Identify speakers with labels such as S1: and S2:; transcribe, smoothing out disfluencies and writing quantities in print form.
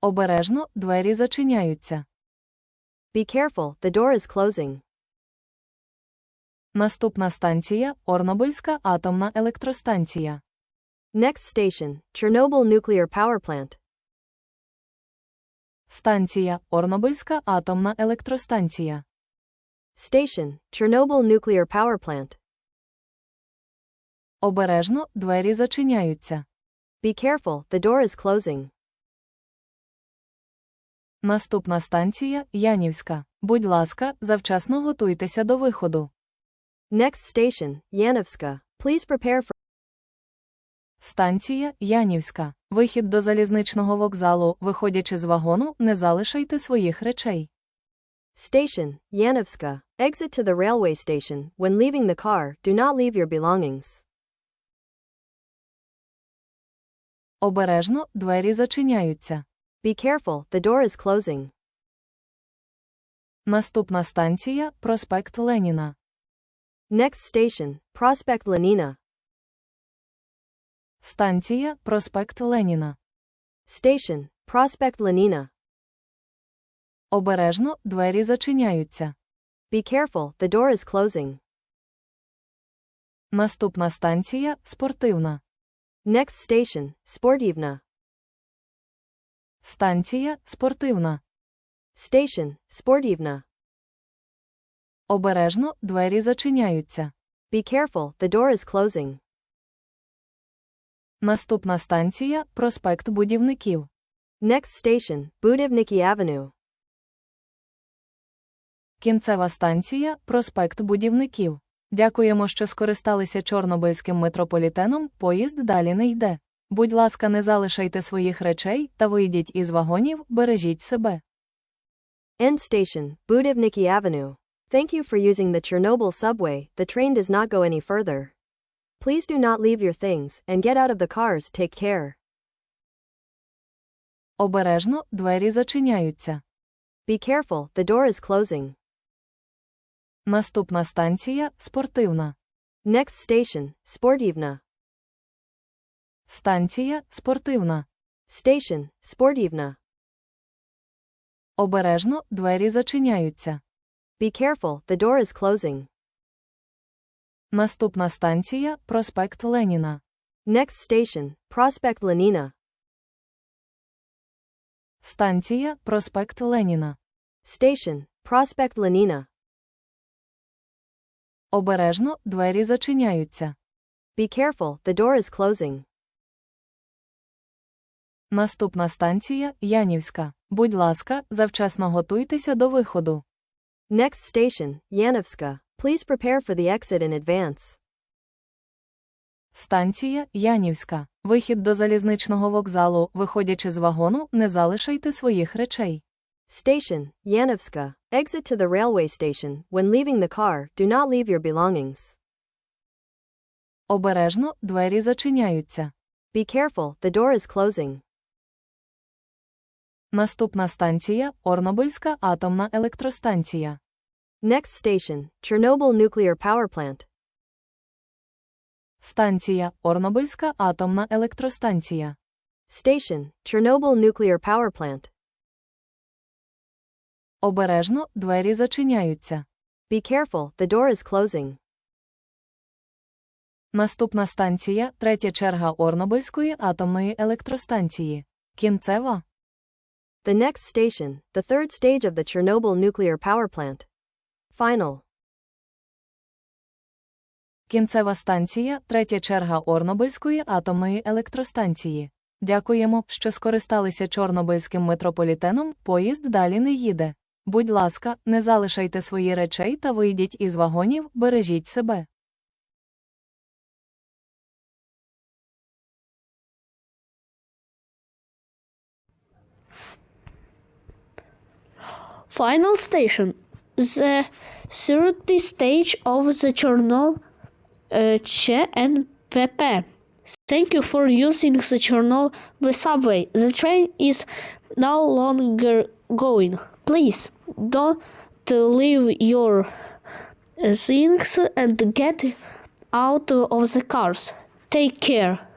S1: Обережно, двері зачиняються.
S2: Be careful, the door is closing.
S1: Наступна станція – Орнобильська атомна електростанція.
S2: Next station, Chernobyl nuclear power plant.
S1: Станція – Орнобильська атомна електростанція.
S2: Station, Chernobyl nuclear power plant.
S1: Обережно, двері зачиняються.
S2: Be careful, the door is closing.
S1: Наступна станція – Янівська. Будь ласка, завчасно готуйтеся до виходу.
S2: Next station, Yanovska. Please prepare for.
S1: Станція – Янівська. Вихід до залізничного вокзалу. Виходячи з вагону, не залишайте своїх речей.
S2: Station, Yanovska. Exit to the railway station. When leaving the car, do not leave your belongings.
S1: Обережно, двері зачиняються.
S2: Be careful, the door is closing.
S1: Наступна станція – Проспект Леніна.
S2: Next station, Prospect Lenina.
S1: Станція – Проспект Леніна.
S2: Station, Prospect Lenina.
S1: Обережно, двері зачиняються.
S2: Be careful, the door is closing.
S1: Наступна станція – Спортивна.
S2: Next station, Sportivna.
S1: Станція – Спортивна.
S2: Station, Sportivna.
S1: Обережно, двері зачиняються.
S2: Be careful, the door is closing.
S1: Наступна станція – Проспект Будівників.
S2: Next station, Budivniki Avenue.
S1: Кінцева станція – Проспект Будівників. Дякуємо, що скористалися Чорнобильським метрополітеном, поїзд далі не йде. Будь ласка, не залишайте своїх речей та вийдіть із вагонів, бережіть себе.
S2: End station, Budivniki Avenue. Thank you for using the Chernobyl subway. The train does not go any further. Please do not leave your things and get out of the cars. Take care.
S1: Обережно, двері зачиняються.
S2: Be careful, the door is closing.
S1: Наступна станція – Спортивна.
S2: Next station, Sportivna.
S1: Станція – Спортивна.
S2: Station, Sportivna.
S1: Обережно, двері зачиняються.
S2: Be careful, the door is closing.
S1: Наступна станція – Проспект Леніна.
S2: Next station, Prospect Lenina.
S1: Станція – Проспект Леніна.
S2: Station, Prospect Lenina.
S1: Обережно, двері зачиняються.
S2: Be careful, the door is closing.
S1: Наступна станція – Янівська. Будь ласка, завчасно готуйтеся до виходу.
S2: Next station, Yanovska. Please prepare for the exit in advance.
S1: Станція – Янівська. Вихід до залізничного вокзалу. Виходячи з вагону, не залишайте своїх речей.
S2: Station, Yanovska. Exit to the railway station. When leaving the car, do not leave your belongings.
S1: Обережно, двері зачиняються.
S2: Be careful, the door is closing.
S1: Наступна станція – Орнобильська атомна електростанція.
S2: Next station, Chernobyl nuclear power plant.
S1: Станція – Орнобильська атомна електростанція.
S2: Station, Chernobyl nuclear power plant.
S1: Обережно, двері зачиняються.
S2: Be careful, the door is closing.
S1: Наступна станція – третя черга Орнобильської атомної електростанції. Кінцева.
S2: The next station, the third stage of the Chernobyl nuclear power plant. Final.
S1: Кінцева станція – третя черга Орнобильської атомної електростанції. Дякуємо, що скористалися Чорнобильським метрополітеном, поїзд далі не їде. Будь ласка, не залишайте свої речей та вийдіть із вагонів, бережіть себе.
S3: Final station. The third stage of the Chernobyl CNPP. Thank you for using the Chernobyl subway. The train is no longer going. Please don't leave your things and get out of the cars. Take care.